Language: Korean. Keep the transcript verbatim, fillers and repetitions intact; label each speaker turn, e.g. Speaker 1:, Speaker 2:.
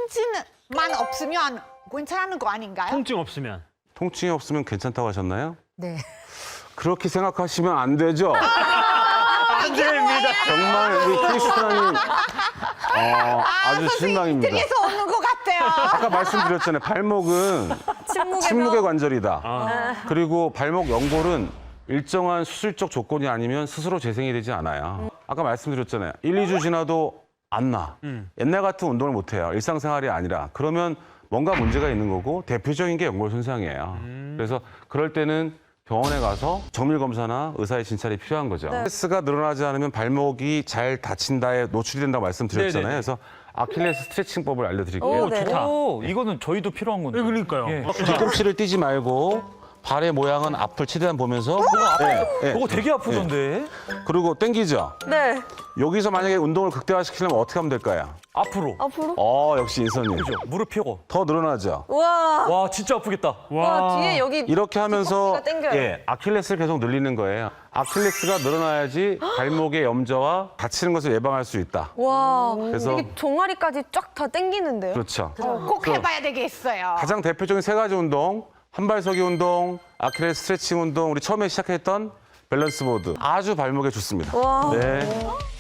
Speaker 1: 통증만 없으면 괜찮은 거 아닌가요?
Speaker 2: 통증 없으면.
Speaker 3: 통증이 없으면 괜찮다고 하셨나요?
Speaker 4: 네.
Speaker 3: 그렇게 생각하시면 안 되죠.
Speaker 2: 안 됩니다.
Speaker 3: 정말 우리 크리스타님 어, 아주 실망입니다.
Speaker 1: 이쪽에서 오는 것 같아요.
Speaker 3: 아까 말씀드렸잖아요. 발목은
Speaker 4: 침묵의
Speaker 3: 침묵의 관절이다.
Speaker 2: 아.
Speaker 3: 그리고 발목 연골은 일정한 수술적 조건이 아니면 스스로 재생이 되지 않아요. 아까 말씀드렸잖아요. 일, 이 주 지나도 안 나.
Speaker 2: 음.
Speaker 3: 옛날 같은 운동을 못 해요. 일상생활이 아니라. 그러면 뭔가 문제가 있는 거고 대표적인 게 연골 손상이에요.
Speaker 2: 음.
Speaker 3: 그래서 그럴 때는 병원에 가서 정밀 검사나 의사의 진찰이 필요한 거죠. 스트레스가 늘어나지 않으면 발목이 잘 다친다에 노출이 된다고 말씀드렸잖아요.
Speaker 2: 네네네.
Speaker 3: 그래서 아킬레스 스트레칭법을 알려드릴게요.
Speaker 4: 오, 네.
Speaker 2: 좋다.
Speaker 5: 오, 이거는 저희도 필요한 건데.
Speaker 2: 네, 그러니까요.
Speaker 5: 예.
Speaker 3: 뒤꿈치를 띄지 말고 발의 모양은 앞을 최대한 보면서 네, 네.
Speaker 5: 그거 되게 아프던데.
Speaker 3: 그리고 당기죠.
Speaker 4: 네.
Speaker 3: 여기서 만약에 운동을 극대화시키려면 어떻게 하면 될까요?
Speaker 5: 앞으로.
Speaker 4: 앞으로.
Speaker 3: 어 역시 인선님.
Speaker 5: 그죠? 무릎 펴고.
Speaker 3: 더 늘어나죠.
Speaker 4: 우와.
Speaker 5: 와, 진짜 아프겠다.
Speaker 4: 와, 뒤에 여기
Speaker 3: 이렇게 하면서
Speaker 4: 뒤꿈치가 당겨요.
Speaker 3: 예, 아킬레스를 계속 늘리는 거예요. 아킬레스가 늘어나야지 발목의 염좌와 다치는 것을 예방할 수 있다.
Speaker 4: 와.
Speaker 3: 그래서
Speaker 4: 이게 종아리까지 쫙 다 당기는데요?
Speaker 3: 그렇죠.
Speaker 1: 어, 꼭 해봐야 되겠어요.
Speaker 3: 가장 대표적인 세 가지 운동, 한발서기 운동, 아킬레스 스트레칭 운동, 우리 처음에 시작했던 밸런스 보드. 아주 발목에 좋습니다.
Speaker 4: 와.
Speaker 3: 네.